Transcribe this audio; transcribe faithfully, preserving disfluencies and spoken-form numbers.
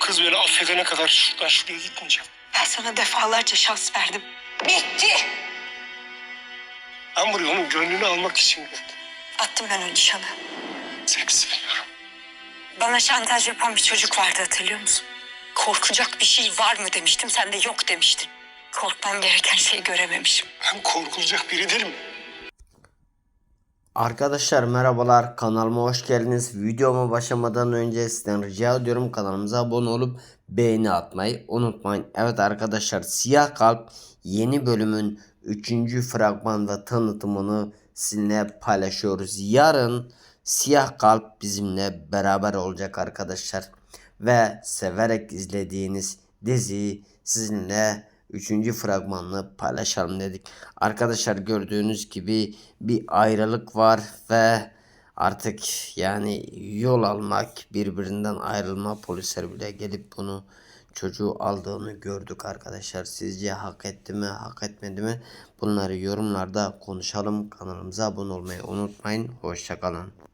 kız beni affedene kadar şuradan şuraya gitmeyeceğim. Ben sana defalarca şans verdim. Bitti. Ben buraya onun gönlünü almak için geldim. Attım ben o nişanı. Seni seviyorum. Bana şantaj yapan bir çocuk vardı, hatırlıyor musun? Korkacak bir şey var mı demiştim, sen de yok demiştin. Korkmam gereken şeyi görememişim. Ben korkulacak biri değilim. Arkadaşlar merhabalar, kanalıma hoş geldiniz. Videoma başlamadan önce sizden rica ediyorum kanalımıza abone olup beğeni atmayı unutmayın. Evet arkadaşlar, Siyah Kalp yeni bölümün üçüncü fragman ve tanıtımını sizinle paylaşıyoruz. Yarın Siyah Kalp bizimle beraber olacak arkadaşlar. Ve severek izlediğiniz diziyi sizinle üçüncü fragmanını paylaşalım dedik. Arkadaşlar gördüğünüz gibi bir ayrılık var ve artık yani yol almak, birbirinden ayrılma, polisler bile gelip bunu çocuğu aldığını gördük arkadaşlar. Sizce hak etti mi, hak etmedi mi? Bunları yorumlarda konuşalım. Kanalımıza abone olmayı unutmayın. Hoşça kalın.